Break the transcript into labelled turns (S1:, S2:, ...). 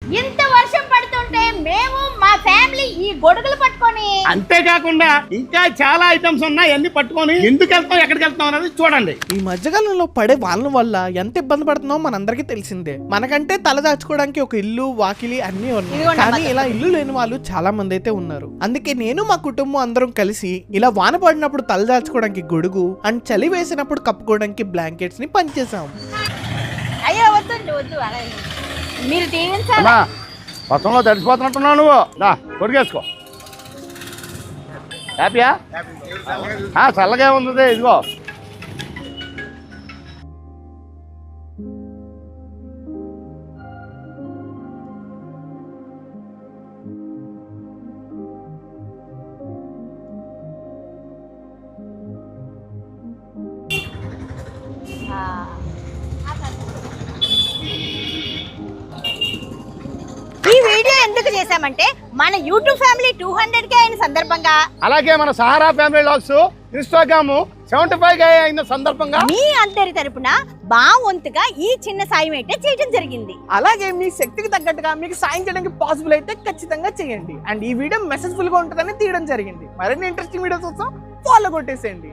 S1: ఇంత వర్షం పడుతుంటే మేము మా ఫ్యామిలీ ఈ గొడుగులు పట్టుకొని,
S2: అంతేకాకుండా ఇంకా చాలా ఐటమ్స్ ఉన్నాయి, అన్ని పట్టుకొని ఎందుకు వెళ్తాం ఎక్కడికి వెళ్తాం అనేది చూడండి.
S3: ఈ మధ్యకాలంలో పడే వానల వల్ల ఎంత ఇబ్బంది పడుతుందో మనందరికీ తెలిసిందే. మనకంటే తల దాచుకోవడానికి ఒక ఇల్లు వాకిలి అన్ని ఉన్నాయి, కానీ ఇలా ఇల్లు లేని వాళ్ళు చాలా మంది అయితే ఉన్నారు. అందుకే నేను మా కుటుంబం అందరం కలిసి ఇలా వాన పడినప్పుడు తల దాచుకోవడానికి గొడుగు అండ్ చలి వేసినప్పుడు కప్పుకోవడానికి బ్లాంకెట్స్ ని పనిచేసాం.
S1: అయ్యో వద్దండి, వద్దు అలా మీరు దీవించాలి.
S2: వర్షంలో తడిసిపోతున్నట్టున్నావు నువ్వు, దా కొరికేసుకో. హ్యాపీయా? చల్లగా ఉంది, ఇదిగో.
S1: ఈ వీడియో ఎందుకు చేశామంటే మన యూట్యూబ్ ఫ్యామిలీ 200K అయిన సందర్భంగా,
S2: అలాగే మన Sahara family vlogs Instagram 75K అయిన సందర్భంగా
S1: మీ అందరి తరపున మా వంతుగా ఈ చిన్న సాయం అయితే చేయడం జరిగింది.
S3: అలాగే మీ శక్తికి తగ్గట్టుగా మీకు సాయం చేయడానికి పాసిబుల్ అయితే ఖచ్చితంగా చేయండి. అండ్ ఈ వీడియో మెసేజ్ఫుల్ గా ఉంటుందని తీయడం జరిగింది. మరిన్ని ఇంట్రెస్టింగ్ వీడియోస్ కోసం ఫాలో కొట్టేసేయండి.